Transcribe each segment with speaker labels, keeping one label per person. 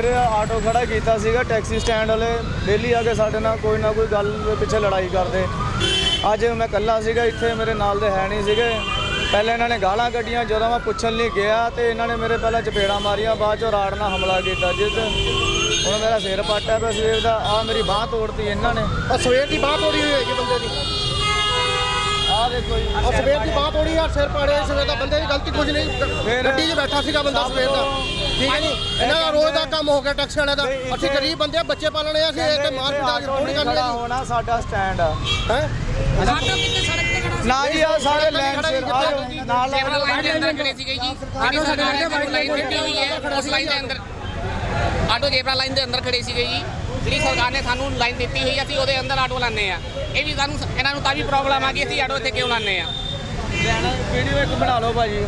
Speaker 1: ਮੂਹਰੇ ਆਟੋ ਖੜਾ ਕੀਤਾ ਸੀਗਾ। ਟੈਕਸੀ ਸਟੈਂਡ ਵਾਲੇ ਡੇਲੀ ਆ ਕੇ ਸਾਡੇ ਨਾਲ ਕੋਈ ਨਾ ਕੋਈ ਗੱਲ ਦੇ ਪਿੱਛੇ ਲੜਾਈ ਕਰਦੇ। ਅੱਜ ਮੈਂ ਇਕੱਲਾ ਸੀਗਾ ਇੱਥੇ, ਮੇਰੇ ਨਾਲ ਦੇ ਹੈ ਨਹੀਂ ਸੀਗੇ। ਪਹਿਲੇ ਇਹਨਾਂ ਨੇ ਗਾਲਾਂ ਕੱਢੀਆਂ, ਜਦੋਂ ਮੈਂ ਪੁੱਛਣ ਲਈ ਗਿਆ ਤੇ ਇਹਨਾਂ ਨੇ ਮੇਰੇ ਪਹਿਲਾਂ ਚਪੇੜਾਂ ਮਾਰੀਆਂ, ਬਾਅਦ 'ਚੋਂ ਰਾੜ ਨਾਲ ਹਮਲਾ ਕੀਤਾ, ਜਿਸ ਹੁਣ ਮੇਰਾ ਸਿਰ ਪਾਟਿਆ ਪਿਆ ਸਵੇਰ ਦਾ। ਆਹ ਮੇਰੀ ਬਾਂਹ ਤੋੜਤੀ ਇਹਨਾਂ ਨੇ।
Speaker 2: ਸਵੇਰ ਦੀ ਬਾਂਹ ਤੋੜੀ ਹੋਈ ਹੈਗੀ ਬੰਦੇ ਦੀ।
Speaker 1: ਆਹ ਦੇਖੋ ਜੀ,
Speaker 2: ਸਵੇਰ ਦੀ ਬਾਂਹ ਤੋੜੀ ਆ, ਸਿਰ ਪਾੜਿਆ ਸਵੇਰ ਦਾ। ਬੰਦੇ ਦੀ ਗਲਤੀ ਕੁਝ ਨਹੀਂ, ਗੱਡੀ 'ਚ ਬੈਠਾ ਸੀਗਾ ਬੰਦਾ ਸਵੇਰ ਦਾ, ਠੀਕ ਹੈ ਜੀ। ਇਹਨਾਂ ਦਾ ਰੋਜ਼ ਦਾ ਕੰਮ ਹੋ ਗਿਆ ਟੈਕਸੀ ਵਾਲਿਆਂ ਦਾ। ਅਸੀਂ ਗਰੀਬ ਬੰਦੇ ਆ, ਬੱਚੇ ਪਾਲਣੇ ਆ, ਅਸੀਂ ਇੱਥੇ ਮਾਰ ਪਿਟਾ ਕੇ ਰੋਟੀ ਕਰਨੀ
Speaker 1: ਖੜਾ ਹੋਣਾ ਸਾਡਾ ਸਟੈਂਡ ਆ
Speaker 2: ਹੈ।
Speaker 3: ਆਟੋ ਕਿੱਥੇ ਸੜਕ ਤੇ ਖੜਾ
Speaker 1: ਨਾ ਜੀ, ਆ ਸਾਰੇ ਲਾਈਨ ਸਿਰ ਨਾਲ
Speaker 4: ਲਾਈਨ ਦੇ ਅੰਦਰ ਖੜੇ ਸੀਗੇ ਜੀ। ਜਿਹੜੀ ਸਰਕਾਰ ਨੇ ਲਾਈਨ ਦਿੱਤੀ ਹੋਈ ਹੈ ਉਸ ਲਾਈਨ ਦੇ ਅੰਦਰ, ਆਟੋ ਜੇਬਰਾ ਲਾਈਨ ਦੇ ਅੰਦਰ ਖੜੇ ਸੀਗੇ ਜੀ। ਜਿਹੜੀ ਸਰਕਾਰ ਨੇ ਸਾਨੂੰ ਲਾਈਨ ਦਿੱਤੀ ਹੋਈ, ਅਸੀਂ ਉਹਦੇ ਅੰਦਰ ਆਟੋ ਲਾਉਂਦੇ ਆ। ਇਹ ਵੀ ਸਾਨੂੰ ਇਹਨਾਂ ਨੂੰ ਤਾਂ ਵੀ ਪ੍ਰੋਬਲਮ ਆ ਗਈ, ਅਸੀਂ ਆਟੋ ਇੱਥੇ ਕਿਉਂ ਲਾਉਂਦੇ ਆ।
Speaker 1: ਵੀਡੀਓ ਇੱਕ ਬਣਾ ਲਓ ਭਾਜੀ।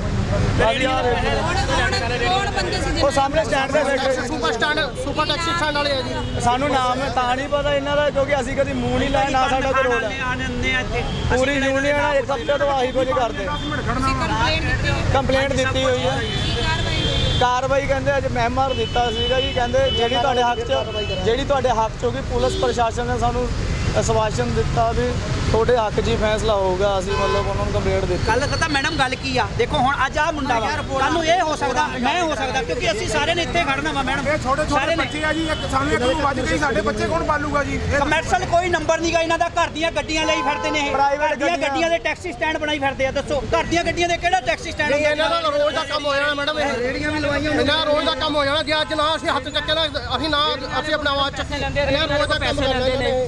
Speaker 3: ਕੌਣ ਬੰਦੇ ਸੀ
Speaker 1: ਉਹ ਸਾਹਮਣੇ ਸਟੈਂਡ ਤੇ ਬੈਠੇ
Speaker 2: ਸੁਪਰ ਟੈਕਸੀ ਸਟੈਂਡ ਵਾਲੇ ਆ ਜੀ।
Speaker 1: ਸਾਨੂੰ ਨਾਮ ਤਾਂ ਨਹੀਂ ਪਤਾ ਇਹਨਾਂ ਦਾ, ਕਿਉਂਕਿ ਅਸੀਂ ਕਦੀ ਮੂੰਹ ਨਹੀਂ ਲਾਇਆ, ਨਾ ਸਾਡਾ ਕੋਈ ਰੋਲ ਹੈ। ਪੂਰੀ ਯੂਨੀਅਨ ਆ ਇੱਕ ਹਫ਼ਤੇ ਤੋਂ ਆਹੀ ਕੁਝ ਕਰਦੇ। ਕੰਪਲੇਂਟ ਦਿੱਤੀ ਹੋਈ ਹੈ। ਕਾਰਵਾਈ ਕਹਿੰਦੇ ਅੱਜ ਮਹਿਮਾਰ ਦਿੱਤਾ ਸੀਗਾ ਜੀ। ਕਹਿੰਦੇ ਜਿਹੜੀ ਤੁਹਾਡੇ ਹੱਕ 'ਚ ਹੋਗੀ, ਪੁਲਿਸ ਪ੍ਰਸ਼ਾਸਨ ਨੇ ਸਾਨੂੰ ਆਸ਼ਵਾਸਨ ਦਿੱਤਾ ਵੀ ਤੁਹਾਡੇ ਹੱਕ 'ਚ ਹੀ ਫੈਸਲਾ ਹੋਊਗਾ। ਅਸੀਂ ਮਤਲਬ ਉਹਨਾਂ ਨੂੰ ਕੰਪਲੇਂਟ ਦਿੱਤੀ।
Speaker 5: ਕੱਲ ਪਤਾ ਮੈਡਮ ਗੱਲ ਕੀ ਆ, ਦੇਖੋ ਹੁਣ ਅੱਜ ਆ ਮੁੰਡਾ ਵਾ, ਕੱਲ ਨੂੰ ਇਹ ਹੋ ਸਕਦਾ, ਮੈਂ ਹੋ ਸਕਦਾ, ਕਿਉਂਕਿ ਅਸੀਂ ਸਾਰੇ ਨੇ ਇੱਥੇ ਖੜਨਾ ਵਾ ਮੈਡਮ।
Speaker 6: ਇਹ ਛੋਟੇ ਬੱਚੇ ਆ ਜੀ, ਸਾਨੂੰ ਇੱਕ ਨੂੰ ਵੱਜ ਗਈ, ਸਾਡੇ ਬੱਚੇ ਕੌਣ ਪਾਲੂਗਾ ਜੀ।
Speaker 5: ਕਮਰਸ਼ਲ ਕੋਈ ਨੰਬਰ ਨਹੀਂਗਾ ਇਹਨਾਂ ਦਾ। ਘਰ ਦੀਆਂ ਗੱਡੀਆਂ ਲਈ ਫਿਰਦੇ ਨੇ ਇਹ, ਘਰ ਦੀਆਂ ਗੱਡੀਆਂ ਦੇ ਟੈਕਸੀ ਸਟੈਂਡ ਬਣਾਈ ਫਿਰਦੇ ਆ। ਦੱਸੋ ਘਰ ਦੀਆਂ ਗੱਡੀਆਂ ਦੇ ਕਿਹੜਾ ਟੈਕਸੀ ਸਟੈਂਡ ਹੁੰਦਾ?
Speaker 2: ਇਹਨਾਂ ਦਾ ਰੋਜ਼ ਦਾ ਕੰਮ ਹੋ ਜਾਣਾ ਮੈਡਮ। ਇਹ ਰੇੜੀਆਂ ਵੀ ਲਵਾਈਆਂ, ਇਹਨਾਂ ਦਾ ਰੋਜ਼ ਦਾ ਕੰਮ ਹੋ ਜਾਣਾ। ਜੇ ਅੱਜ ਨਾ ਅਸੀਂ ਹੱਥ ਚੱਕੇ ਨਾ, ਅਸੀਂ ਆਪਣਾ ਆਵਾਜ਼ ਚੱਕੀ, ਇਹਨਾਂ ਰੋਜ਼ ਦਾ ਕੰਮ ਕਰਨਾ ਨੇ।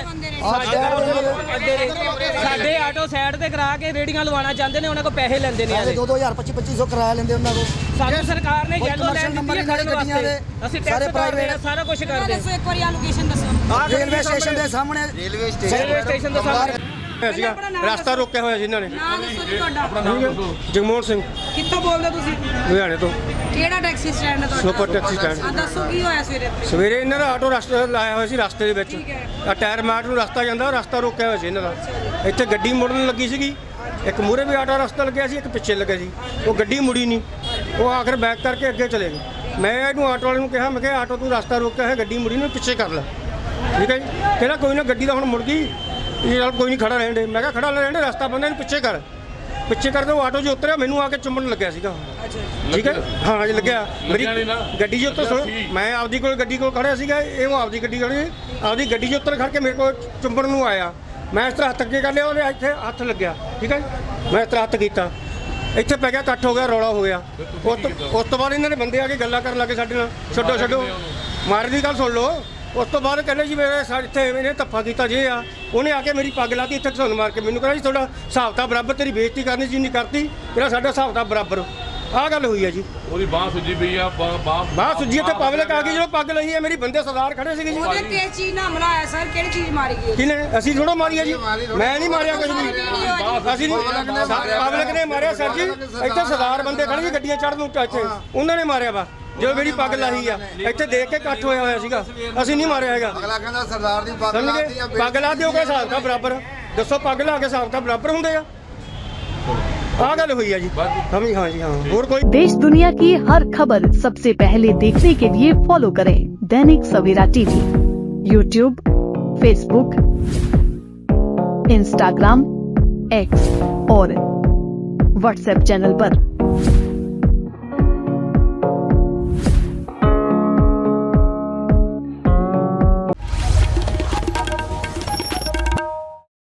Speaker 7: ਸਾਡੇ ਆਟੋ ਸਾਈਡ ਤੇ ਕਰਾ ਕੇ ਰੇੜੀਆਂ ਲਵਾਉਣਾ ਚਾਹੁੰਦੇ ਨੇ, ਉਹਨਾਂ ਕੋਲ ਪੈਸੇ ਲੈਂਦੇ ਨੇ।
Speaker 8: 2000 2500 ਕਿਰਾਇਆ ਲੈਂਦੇ ਉਹਨਾਂ ਕੋਲ।
Speaker 7: ਸਾਨੂੰ ਸਰਕਾਰ ਨੇ ਯੈਲੋ ਲਾਈਨ ਦਿੱਤੀ ਹੈ ਖੜਨ ਵਾਸਤੇ, ਅਸੀਂ ਟੈਕਸ ਪ੍ਰਾਈਵੇਟ ਸਾਰਾ ਕੁਝ ਕਰਦੇ।
Speaker 3: ਦੱਸੋ ਇੱਕ ਵਾਰੀ ਆ ਲੋਕੇਸ਼ਨ ਦੱਸੋ।
Speaker 8: ਰੇਲਵੇ ਸਟੇਸ਼ਨ ਦੇ ਸਾਹਮਣੇ।
Speaker 7: ਰੇਲਵੇ ਸਟੇਸ਼ਨ ਦੇ ਸਾਹਮਣੇ
Speaker 2: ਰਸਤਾ ਰੋਕਿਆ ਹੋਇਆ ਸੀ ਇਹਨਾਂ ਨੇ।
Speaker 3: ਨਾਂ ਦੱਸੋ ਜੀ ਤੁਹਾਡਾ।
Speaker 2: ਜਗਮੋਹਨ ਸਿੰਘ,
Speaker 7: ਕਿੱਥੋਂ ਬੋਲਦੇ ਤੁਸੀਂ?
Speaker 2: ਲੁਧਿਆਣੇ ਤੋਂ।
Speaker 3: ਕਿਹੜਾ ਟੈਕਸੀ ਸਟੈਂਡ ਹੈ ਤੁਹਾਡਾ?
Speaker 2: Super taxi stand.
Speaker 3: ਹਾਂ ਦੱਸੋ ਕੀ ਹੋਇਆ ਸਵੇਰੇ?
Speaker 2: ਸਵੇਰੇ ਇਹਨਾਂ ਦਾ ਆਟੋ ਰਸਤੇ ਲਾਇਆ ਹੋਇਆ ਸੀ, ਰਸਤੇ ਦੇ ਵਿੱਚ ਆ ਟਾਇਰ ਮਾਰਟ ਨੂੰ ਰਸਤਾ ਜਾਂਦਾ, ਰਸਤਾ ਰੋਕਿਆ ਹੋਇਆ ਸੀ ਇਹਨਾਂ ਦਾ। ਇੱਥੇ ਗੱਡੀ ਮੁੜਨ ਲੱਗੀ ਸੀਗੀ, ਇੱਕ ਮੂਹਰੇ ਵੀ ਆਟੋ ਰਸਤਾ ਲੱਗਿਆ ਸੀ, ਇੱਕ ਪਿੱਛੇ ਲੱਗਿਆ ਸੀ। ਉਹ ਗੱਡੀ ਮੁੜੀ ਨਹੀਂ, ਉਹ ਆਖਰ ਬੈਕ ਕਰਕੇ ਅੱਗੇ ਚਲੇ ਗਏ। ਮੈਂ ਇਹਨੂੰ ਆਟੋ ਵਾਲੇ ਨੂੰ ਕਿਹਾ, ਮੈਂ ਕਿਹਾ ਆਟੋ ਤੂੰ ਰਸਤਾ ਰੋਕਿਆ ਹੈ, ਗੱਡੀ ਮੁੜੀ ਨੂੰ ਪਿੱਛੇ ਕਰ ਲੈ, ਠੀਕ ਹੈ ਜੀ। ਕਹਿੰਦਾ ਕੋਈ ਨਾ, ਗੱਡੀ ਤਾਂ ਹੁਣ ਮੁੜ ਗਈ, ਇਹ ਨਾਲ ਕੋਈ ਨਹੀਂ, ਖੜਾ ਰਹਿਣ ਦੇ। ਮੈਂ ਕਿਹਾ ਖੜਾ ਰਹਿਣ ਦੇ, ਰਸਤਾ ਬੰਦਾ ਇਹਨੂੰ ਪਿੱਛੇ ਕਰ। ਪਿੱਛੇ ਕਰਦੇ ਉਹ ਆਟੋ 'ਚ ਉਤਰਿਆ, ਮੈਨੂੰ ਆ ਕੇ ਚੁੰਮਣ ਲੱਗਿਆ ਸੀਗਾ, ਠੀਕ ਹੈ। ਹਾਂ ਜੀ ਲੱਗਿਆ ਮੇਰੀ ਗੱਡੀ 'ਚ ਉੱਤਰ। ਮੈਂ ਆਪਦੀ ਕੋਲ ਗੱਡੀ ਕੋਲ ਖੜਿਆ ਸੀਗਾ, ਇਹ ਆਪਦੀ ਗੱਡੀ ਖੜੀ, ਆਪਦੀ ਗੱਡੀ 'ਚ ਉੱਤਰ ਖੜ ਕੇ ਮੇਰੇ ਕੋਲ ਚੁੰਮਣ ਨੂੰ ਆਇਆ। ਮੈਂ ਇਸ ਤਰ੍ਹਾਂ ਹੱਥ ਅੱਗੇ ਕਰ ਲਿਆ, ਉਹਦੇ ਇੱਥੇ ਹੱਥ ਲੱਗਿਆ, ਠੀਕ ਹੈ। ਮੈਂ ਇਸ ਤਰ੍ਹਾਂ ਹੱਥ ਕੀਤਾ, ਇੱਥੇ ਪੈ ਗਿਆ, ਇਕੱਠ ਹੋ ਗਿਆ, ਰੌਲਾ ਹੋ ਗਿਆ। ਉਸ ਤੋਂ ਬਾਅਦ ਇਹਨਾਂ ਦੇ ਬੰਦੇ ਆ ਕੇ ਗੱਲਾਂ ਕਰਨ ਲੱਗੇ ਸਾਡੇ ਨਾਲ, ਛੱਡੋ ਮਾਰ ਦੀ ਗੱਲ ਸੁਣ ਲਓ। ਉਸ ਤੋਂ ਬਾਅਦ ਕਹਿੰਦੇ ਜੀ ਮੇਰੇ ਇੱਥੇ ਇਹਨੇ ਧੱਫਾ ਕੀਤਾ, ਜੇ ਆ ਉਹਨੇ ਆ ਕੇ ਮੇਰੀ ਪੱਗ ਲਾਤੀ, ਇੱਥੇ ਘਸੁੰਨ ਮਾਰ ਕੇ ਮੈਨੂੰ ਕਹਿੰਦਾ ਜੀ ਤੁਹਾਡਾ ਹਿਸਾਬ ਤਾਂ ਬਰਾਬਰ, ਤੇਰੀ ਬੇਇੱਜ਼ਤੀ ਕਰਨੀ ਸੀ ਨਹੀਂ ਕਰਤੀ, ਇਹਦਾ ਸਾਡਾ ਹਿਸਾਬ ਤਾਂ ਬਰਾਬਰ। ਆਹ ਗੱਲ ਹੋਈ ਹੈ ਜੀ।
Speaker 9: ਉਹਦੀ ਬਾਹ ਸੁੱਜੀ ਪਈ ਆ,
Speaker 2: ਬਾਹ ਸੁੱਜੀ, ਇੱਥੇ ਪਬਲਿਕ ਆ ਗਈ, ਜਦੋਂ ਪੱਗ ਲਈ ਹੈ ਮੇਰੀ, ਬੰਦੇ ਸਰਦਾਰ ਖੜੇ ਸੀਗੇ ਜੀ।
Speaker 3: ਉਹਦੇ ਕਿਸ ਚੀਜ਼ ਨਾਲ ਹਮਲਾ ਆਇਆ ਸਰ? ਕਿਹੜੀ ਚੀਜ਼ ਮਾਰੀ ਗਈ?
Speaker 2: ਕਿਨੇ? ਅਸੀਂ ਥੋੜਾ ਮਾਰੀ ਹੈ ਜੀ, ਮੈਂ ਨਹੀਂ ਮਾਰਿਆ ਕੁਝ ਵੀ, ਅਸੀਂ ਨਹੀਂ, ਪਬਲਿਕ ਨੇ ਮਾਰਿਆ ਸਰ ਜੀ। ਇੱਥੇ ਸਰਦਾਰ ਬੰਦੇ ਖੜੇ ਸੀ ਗੱਡੀਆਂ ਚੜ੍ਹਨ ਨੂੰ, ਇੱਥੇ ਉਹਨਾਂ ਨੇ ਮਾਰਿਆ ਵਾ, ਜੋ ਮੇਰੀ ਪੱਗ ਲਾਹੀ ਆ। ਇੱਥੇ ਦੇਖ ਕੇ ਇਕੱਠ ਹੋਇਆ ਸੀਗਾ, ਅਸੀਂ ਨਹੀਂ ਮਾਰਿਆ ਹੈਗਾ।
Speaker 8: ਅਗਲਾ ਕਹਿੰਦਾ ਸਰਦਾਰ ਦੀ ਪੱਗ
Speaker 2: ਲਾਤੀ ਆ, ਪੱਗ ਲਾ ਦਿਓਗੇ ਹਿਸਾਬ ਤਾਂ ਬਰਾਬਰ। ਦੱਸੋ ਪੱਗ ਲਾ ਕੇ ਹਿਸਾਬ ਤਾਂ ਬਰਾਬਰ ਹੁੰਦੇ ਆ। ਆ ਗੱਲ हुई है जी। हाँ जी हाँ। और कोई
Speaker 10: देश दुनिया की हर खबर सबसे पहले देखने के लिए फॉलो करें Dainik Savera TV, YouTube, Facebook, Instagram, X और व्हाट्सएप चैनल पर।